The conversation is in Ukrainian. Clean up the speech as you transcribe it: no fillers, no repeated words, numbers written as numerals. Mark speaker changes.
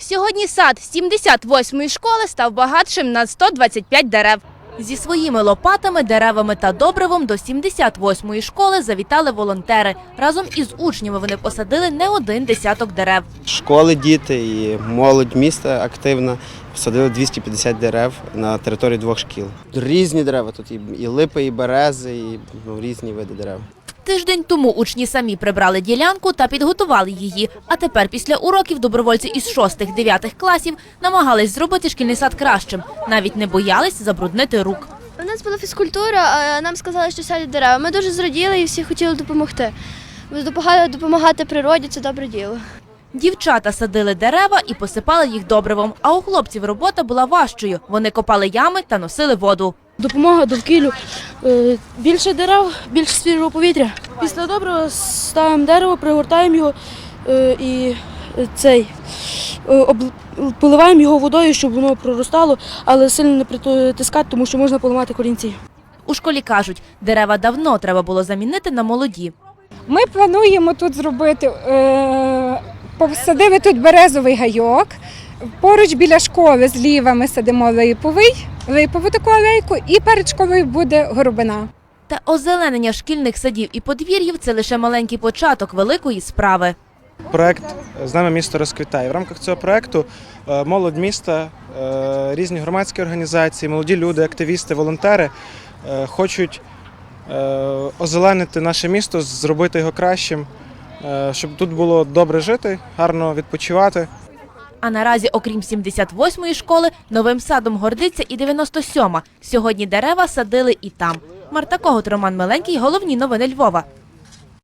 Speaker 1: Сьогодні сад 78-ї школи став багатшим на 125 дерев. Зі своїми лопатами, деревами та добривом до 78-ї школи завітали волонтери. Разом із учнями вони посадили не один десяток дерев.
Speaker 2: Школи, діти і молодь міста активна посадили 250 дерев на території 2 шкіл. Різні дерева, тут і липи, і берези, і різні види дерев.
Speaker 1: Тиждень тому учні самі прибрали ділянку та підготували її. А тепер після уроків добровольці із 6-9 класів намагались зробити шкільний сад кращим. Навіть не боялись забруднити рук.
Speaker 3: У нас була фізкультура, а нам сказали, що садять дерева. Ми дуже зраділи і всі хотіли допомогти. Допомагати природі – це добре діло.
Speaker 1: Дівчата садили дерева і посипали їх добривом, а у хлопців робота була важчою. Вони копали ями та носили воду.
Speaker 4: Допомога довкіллю, більше дерев, більше свіжого повітря. Після доброго ставимо дерево, пригортаємо його і поливаємо його водою, щоб воно проростало, але сильно не притискати, тому що можна поламати корінці.
Speaker 1: У школі кажуть, дерева давно треба було замінити на молоді.
Speaker 5: Ми плануємо тут зробити, посадили тут березовий гайок, поруч біля школи зліва ми садимо липову таку алейку і перед школою буде горобина.
Speaker 1: Та озеленення шкільних садів і подвір'їв – це лише маленький початок великої справи.
Speaker 6: Проект «З нами місто розквітає». В рамках цього проекту молодь міста, різні громадські організації, молоді люди, активісти, волонтери хочуть озеленити наше місто, зробити його кращим, щоб тут було добре жити, гарно відпочивати.
Speaker 1: А наразі, окрім 78-ї школи, новим садом гордиться і 97-ма. Сьогодні дерева садили і там. Марта Когут, Роман Миленький. Головні новини Львова.